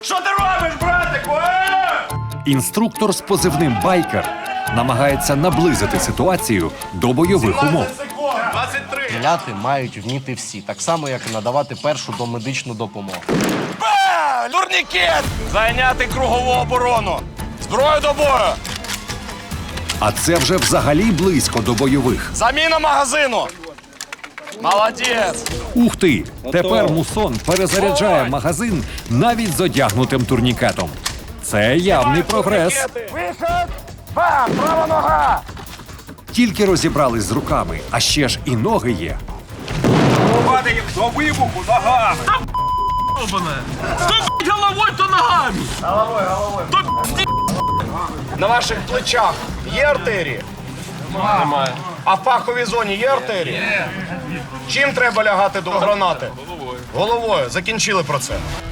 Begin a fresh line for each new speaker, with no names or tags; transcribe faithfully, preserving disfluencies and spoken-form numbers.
Що ти робиш, братику? Е?
Інструктор з позивним «Байкер» намагається наблизити ситуацію до бойових умов.
двадцять три.
Стріляти мають вміти всі, так само, як і надавати першу домедичну допомогу.
Ба! Турнікет! Зайняти кругову оборону. Зброю до бою.
А це вже взагалі близько до бойових.
Заміна магазину. Молодець.
Ух ти! Тепер мусон перезаряджає магазин навіть з одягнутим турнікетом. Це явний прогрес.
Вихід. Бам! Права нога.
Тільки розібрались з руками, а ще ж і ноги є.
Падає до вибуху нога.
То головой, то ногами.
Головою, головою. На ваших плечах є артерії? Немає. А в паховій зоні є артерії? Чим треба лягати до гранати? Головою. Головою. Закінчили про це.